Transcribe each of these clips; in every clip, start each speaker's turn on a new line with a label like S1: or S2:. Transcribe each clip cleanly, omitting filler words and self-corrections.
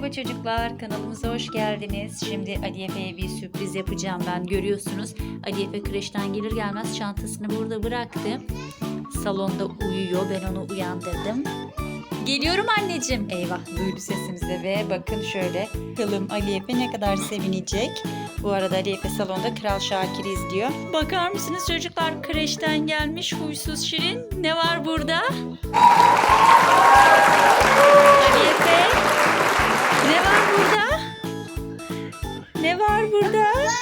S1: Merhaba çocuklar, kanalımıza hoş geldiniz. Şimdi Ali Efe'ye bir sürpriz yapacağım ben. Görüyorsunuz, Ali Efe kreşten gelir gelmez çantasını burada bıraktı. Salonda uyuyor, ben onu uyandırdım. Geliyorum anneciğim. Eyvah, duydu sesimizi ve bakın şöyle. Bakalım Ali Efe ne kadar sevinecek. Bu arada Ali Efe salonda Kral Şakir'i izliyor. Bakar mısınız çocuklar, kreşten gelmiş huysuz Şirin. Ne var burada? Ali Efe, ne var burada? Ne var burada?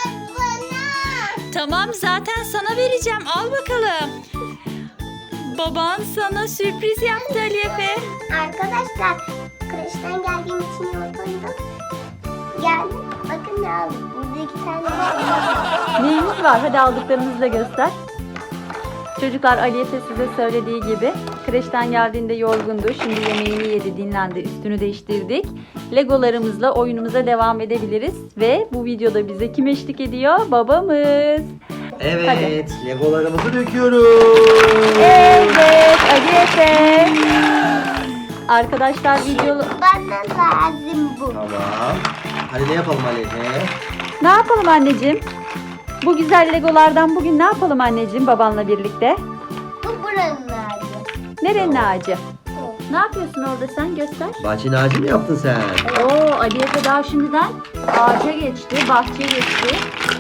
S1: Tamam, zaten sana vereceğim. Al bakalım. Baban sana sürpriz yaptı Ali Efe.
S2: Arkadaşlar, kreşten geldiğim için yoruldum. Gel, bakın ne aldım. Burada 2 tane var.
S1: Neyimiz var? Hadi aldıklarımızı da göster. Çocuklar, Ali Efe size söylediği gibi kreşten geldiğinde yorgundu. Şimdi yemeğini yedi, dinlendi, üstünü değiştirdik. Legolarımızla oyunumuza devam edebiliriz. Ve bu videoda bize kim eşlik ediyor? Babamız.
S3: Evet,
S1: Hadi.
S3: Legolarımızı döküyoruz.
S1: Evet, Ali Efe. Arkadaşlar video...
S2: Bana lazım bu.
S3: Tamam. Hadi ne yapalım Alefe?
S1: Ne yapalım anneciğim? Bu güzel Legolardan bugün ne yapalım anneciğim babanla birlikte?
S2: Bu buranın ağacı.
S1: Nerenin ağacı?
S2: Bu.
S1: Ne yapıyorsun orada sen? Göster.
S3: Bahçenin ağacı mı yaptın sen?
S1: Oo, Ali Efe daha şimdiden ağaca geçti, bahçeye geçti.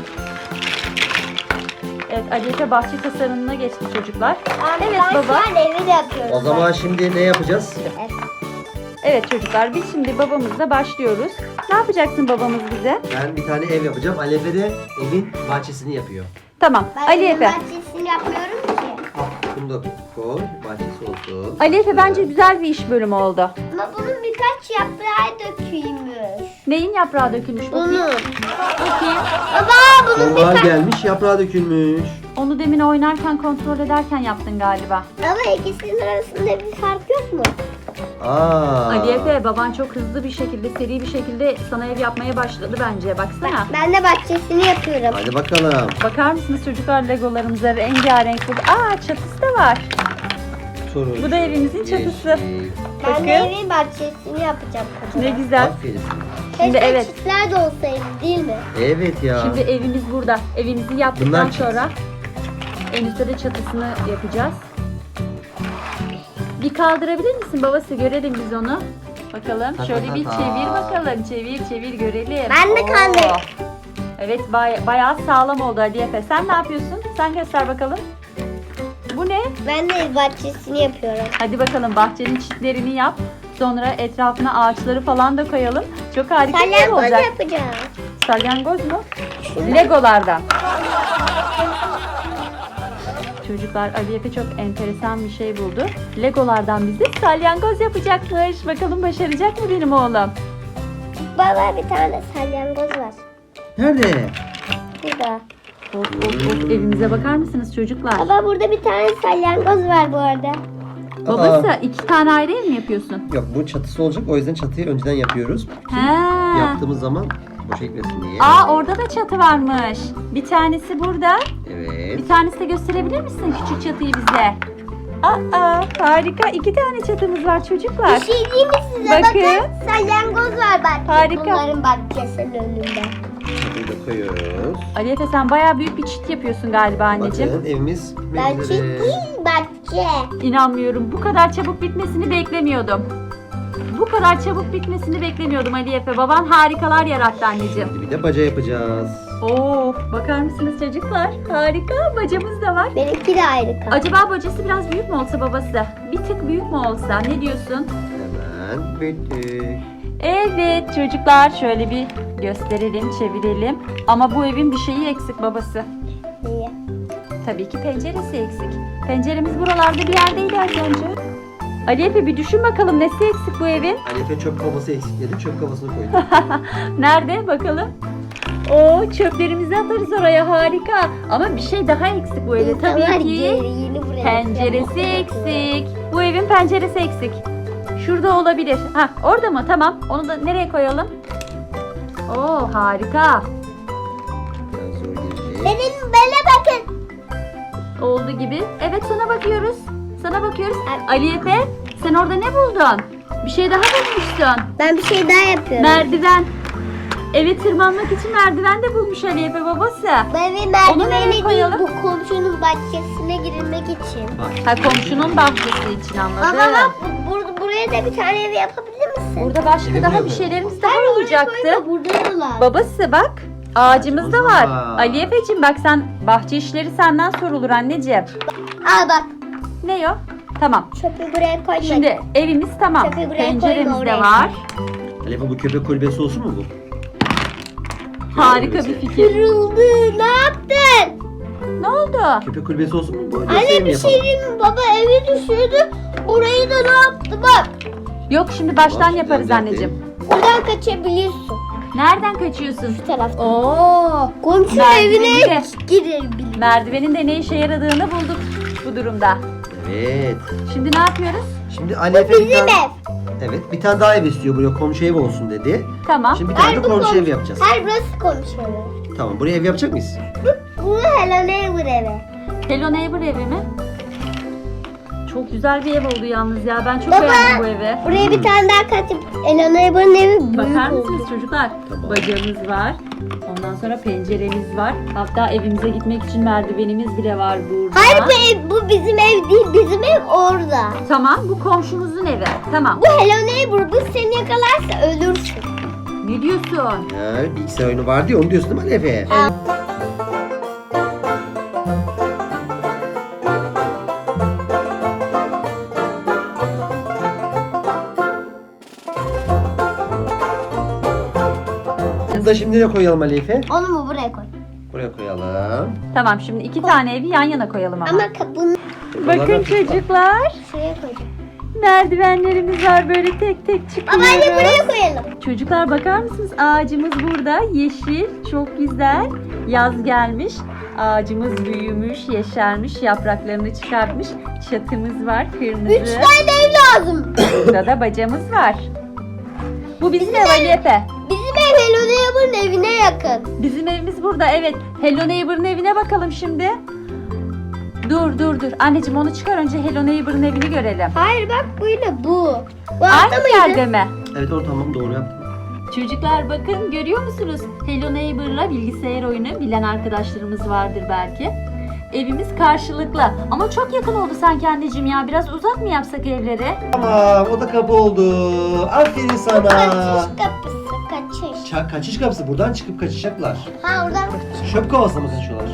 S1: Evet, Ali Efe bahçe tasarımına geçti çocuklar. Evet baba.
S2: Arkadaşlar, evi de yapıyoruz.
S3: O zaman şimdi ne yapacağız?
S2: Evet.
S1: Evet çocuklar, biz şimdi babamızla başlıyoruz. Ne yapacaksın babamız bize?
S3: Ben bir tane ev yapacağım. Alefe de evin bahçesini yapıyor.
S1: Tamam,
S2: Ben
S1: Ali
S2: evin
S1: Efe.
S2: bahçesini yapmıyorum ki.
S3: Al, bunu da koy. Bahçesi olsun.
S1: Ali Efe bence güzel bir iş bölümü oldu.
S2: Ama bunun birkaç yaprağı dökülmüş.
S1: Neyin yaprağı dökülmüş bakayım?
S2: Bunun.
S1: Bakayım.
S2: Baba bunun
S3: Sonbahar
S2: birkaç...
S3: gelmiş, yaprağı dökülmüş.
S1: Onu demin oynarken, kontrol ederken yaptın galiba.
S2: Ama ikisinin arasında bir fark yok mu?
S3: Aa.
S1: Ali Efe, baban çok hızlı bir şekilde, seri bir şekilde sana ev yapmaya başladı bence. Baksana.
S2: Ben de bahçesini yapıyorum.
S3: Hadi bakalım.
S1: Bakar mısınız çocuklar, Legolarımıza rengarenk. Aa, çatısı da var.
S3: Turuncu,
S1: Bu da evimizin çatısı.
S3: yeşil.
S2: Ben de
S1: Bakın.
S2: evin bahçesini yapacağım.
S1: Ne güzel.
S3: Aferin.
S1: Şimdi
S2: Keşke
S1: evet.
S2: çiftler de olsaydı değil mi?
S3: Evet ya.
S1: Şimdi evimiz burada. Evimizi yaptıktan
S3: Bunlar çift.
S1: sonra en üstte de çatısını yapacağız. Bir kaldırabilir misin babası? Görelim biz onu. Bakalım. Şöyle bir çevir bakalım. Çevir çevir görelim.
S2: Ben de
S1: Oo.
S2: kaldırdım.
S1: Evet, bayağı sağlam oldu Ali Efe. Sen ne yapıyorsun? Sen göster bakalım. Bu ne?
S2: Ben de ev bahçesini yapıyorum.
S1: Hadi bakalım, bahçenin çitlerini yap. Sonra etrafına ağaçları falan da koyalım. Çok harika bir ev
S2: Salyangoz
S1: olacak.
S2: yapacağım.
S1: Salyangoz mu? Legolardan. Çocuklar, Ali Efe çok enteresan bir şey buldu. Legolardan bize salyangoz yapacakmış. Bakalım başaracak mı benim oğlum?
S2: Baba bir tane salyangoz var.
S3: Nerede?
S2: Burada.
S1: Of, evimize bakar mısınız çocuklar?
S2: Baba burada bir tane salyangoz var bu arada.
S1: Babası, 2 tane ayrı ev mi yapıyorsun?
S3: Yok, bu çatısı olacak. O yüzden çatıyı önceden yapıyoruz.
S1: He.
S3: Yaptığımız zaman boşa gitmesin diye.
S1: Aa, orada da çatı varmış. Bir tanesi burada.
S3: Evet.
S1: Bir tanesi de gösterebilir misin küçük çatıyı bize? Aa, harika. 2 tane çatımız var çocuklar.
S2: Bir şey diyeyim mi size?
S1: Bakın.
S2: Bakın salyangoz var bak.
S1: Harika.
S2: Bunların bahçesinin önünde.
S3: Çatıyı da koyuyoruz.
S1: Ali Efe, sen bayağı büyük bir çit yapıyorsun galiba anneciğim.
S3: Bakın evimiz
S2: Bahçe
S3: üzere.
S2: değil bahçe.
S1: İnanmıyorum. Bu kadar çabuk bitmesini beklemiyordum. Bu kadar çabuk bitmesini beklemiyordum Ali Efe. Baban harikalar yarattı anneciğim.
S3: Şimdi bir de baca yapacağız.
S1: Oo, bakar mısınız çocuklar? Harika. Bacamız da var.
S2: Benimki de ayrı kaldı.
S1: Acaba bacası biraz büyük mü olsa babası? Bir tık büyük mü olsa? Ne diyorsun?
S3: Hemen büyüttük.
S1: Evet çocuklar, şöyle bir gösterelim, çevirelim. Ama bu evin bir şeyi eksik babası.
S2: Niye?
S1: Tabii ki penceresi eksik. Penceremiz buralarda bir yerdeydi az önce. Ali Efe, bir düşün bakalım, nesi eksik bu evin?
S3: Alefe çöp kovası eksik dedi. Çöp kovasını koyduk.
S1: Nerede bakalım? Oo, çöplerimizi atarız oraya, harika. Ama bir şey daha eksik bu evde.
S2: İnsanlar
S1: Tabii ki
S2: yeni buraya
S1: penceresi eksik. Bu evin penceresi eksik. Şurada olabilir. Ha, orada mı? Tamam. Onu da nereye koyalım? Oo, harika.
S3: Biraz zor girecek.
S2: Benim bele bakın.
S1: Oldu gibi. Evet, sana bakıyoruz. Sana bakıyoruz. Ali Efe, sen orada ne buldun? Bir şey daha bulmuşsun.
S2: Ben bir şey daha yapıyorum.
S1: Merdiven. Eve tırmanmak için merdiven de bulmuş Ali Efe babası.
S2: Bu evin
S1: Onu nereye
S2: merdiveni değil,
S1: koyalım?
S2: bu komşunun bahçesine girilmek için.
S1: Ha, komşunun bahçesi için anladım.
S2: Baba bak buraya da bir tane ev yapabilir misin?
S1: Burada başka
S3: Evi
S1: daha
S3: buraya
S1: bir
S3: koy.
S1: şeylerimiz daha olacaktı.
S2: Burada da var.
S1: Babası bak. Ağacımız da var.
S3: Aa.
S1: Ali Efe'cim bak sen bahçe işleri senden sorulur anneciğim.
S2: Al bak,
S1: Ne o? Tamam.
S2: çöpü buraya koyma.
S1: Şimdi evimiz tamam.
S2: Çöpü buraya
S1: Penceremiz
S2: koyma,
S1: de
S2: oraya
S1: var.
S3: Alefe bu köpek kulübesi olsun mu bu?
S1: Harika bir fikir.
S2: Kırıldı. Ne yaptın?
S1: Ne oldu?
S3: Köpek kulübesi olsun mu bu? Yoksa ev
S2: Anne
S3: mi
S2: bir
S3: yapalım?
S2: şey diyeyim mi? Baba evi düşürdü. Orayı da ne yaptı bak.
S1: Yok şimdi baştan
S3: Bahçeden
S1: yaparız
S3: geldi.
S1: anneciğim.
S2: Buradan kaçabiliyorsun.
S1: Nereden kaçıyorsun?
S2: Bu taraftan.
S1: Oo.
S2: Komşunun
S1: Merdiveni
S2: evine
S1: de.
S2: girebilir.
S1: Merdivenin de ne işe yaradığını bulduk bu durumda.
S3: Evet.
S1: Şimdi ne yapıyoruz?
S3: Şimdi Alefe bir
S2: Bizim
S3: tane...
S2: ev.
S3: Evet, bir tane daha ev istiyor buraya, komşu evi olsun dedi.
S1: Tamam.
S3: Şimdi bir tane de
S2: bu
S3: komşu
S2: komşu-
S3: evi yapacağız.
S2: Hayır burası komşu evi.
S3: Tamam, buraya ev yapacak mıyız?
S2: Bu Hello Neighbor evi.
S1: Hello Neighbor evi mi? Çok güzel bir ev oldu yalnız ya. Ben çok
S2: Baba,
S1: beğendim bu evi.
S2: Buraya bir tane daha katıp Hello Neighbor'ın evi büyük
S1: Bakar
S2: oldu.
S1: mısınız çocuklar?
S3: Tamam.
S1: Bacamız var. Ondan sonra penceremiz var. Hatta evimize gitmek için merdivenimiz bile var burada.
S2: Hayır bu bizim ev değil. Bizim ev orada.
S1: Tamam bu komşumuzun evi. Tamam.
S2: Bu Hello Neighbor bu seni yakalarsa ölürsün.
S1: Ne diyorsun?
S3: Ya, bilgisayar oyunu var diyor, onu diyorsun değil mi Alefe? Bunu da şimdi ne koyalım Alefe?
S2: Onu mu buraya koy?
S3: Buraya koyalım.
S1: Tamam şimdi 2 tane evi yan yana koyalım ama.
S2: Ama kapını
S1: Bakın
S3: Buralardan
S1: çocuklar.
S2: şuraya koyacağım.
S1: Merdivenlerimiz var böyle tek tek
S2: Baba hadi
S1: çıkıyoruz.
S2: buraya koyalım.
S1: Çocuklar bakar mısınız? Ağacımız burada. Yeşil. Çok güzel. Yaz gelmiş. Ağacımız büyümüş, yeşermiş, yapraklarını çıkartmış. Çatımız var,
S2: 3
S1: kırmızı.
S2: tane ev lazım.
S1: Burada da bacamız var. Bu bizim ev Ali Efe.
S2: Bizim ev Hello Neighbor'ın evine yakın.
S1: Bizim evimiz burada. Evet. Hello Neighbor'ın evine bakalım şimdi. Dur. Anneciğim onu çıkar önce Hello Neighbor'ın evini görelim.
S2: Hayır bak buydu bu. Bu altta
S1: Aynı
S2: mıydı?
S1: yerde mi?
S3: Evet, o tamam, doğru yaptın.
S1: Çocuklar bakın görüyor musunuz? Hello Neighbor'la bilgisayar oyunu bilen arkadaşlarımız vardır belki. Evimiz karşılıklı ama çok yakın oldu sanki anneciğim ya. Biraz uzak mı yapsak evleri?
S3: Tamam, o da kapı oldu. Aferin sana.
S2: Kaçış kapısı kaçış.
S3: Kaçış kapısı, buradan çıkıp kaçacaklar.
S2: Ha oradan kaçış.
S3: Çöp kovasına mı kaçıyorlar?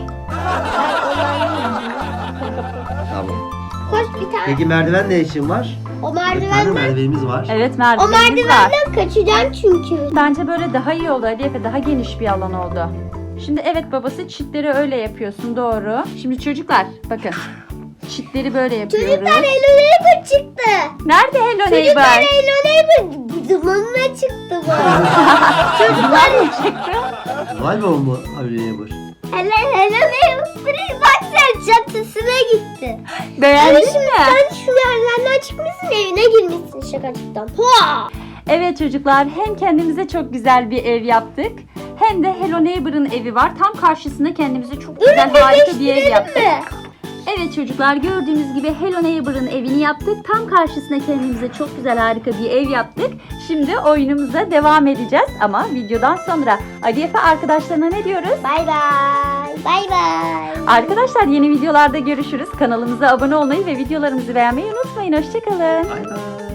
S3: Tamam.
S2: Koş bir tane.
S3: Peki merdiven ne için var?
S2: O
S3: Bir tane
S2: merdivenden.
S3: merdivenimiz var.
S1: Evet
S2: O
S1: merdivenimiz var.
S2: merdivenden kaçacaksın çünkü.
S1: Bence böyle daha iyi oldu Ali Efe. Daha geniş bir alan oldu. Şimdi evet babası çitleri öyle yapıyorsun doğru. Şimdi çocuklar bakın. Çitleri böyle yapıyoruz.
S2: Çocuklar Hello Neighbor çıktı.
S1: Nerede Hello
S2: Çocuklar
S1: Neighbor?
S2: Hello Neighbor dumanına çıktı bu. Çocuklar
S3: Vay be oğlum bu Hello bu.
S2: Hello Neighbor. Bak sen çatısına gitti.
S1: Beğendin mi?
S2: Sen şu merdivenden çıkmışsın evine girmişsin şakacıktan. Hoa!
S1: Evet çocuklar hem kendimize çok güzel bir ev yaptık. Hem de Hello Neighbor'ın evi var. Tam karşısında kendimize çok güzel harika bir ev yaptık.
S2: Mi?
S1: Evet çocuklar gördüğünüz gibi Hello Neighbor'ın evini yaptık. Tam karşısına kendimize çok güzel harika bir ev yaptık. Şimdi oyunumuza devam edeceğiz ama videodan sonra. Ali Efe arkadaşlarına ne diyoruz?
S2: Bay bay. Bay bay.
S1: Arkadaşlar yeni videolarda görüşürüz. Kanalımıza abone olmayı ve videolarımızı beğenmeyi unutmayın. Hoşçakalın.
S3: Bay bay.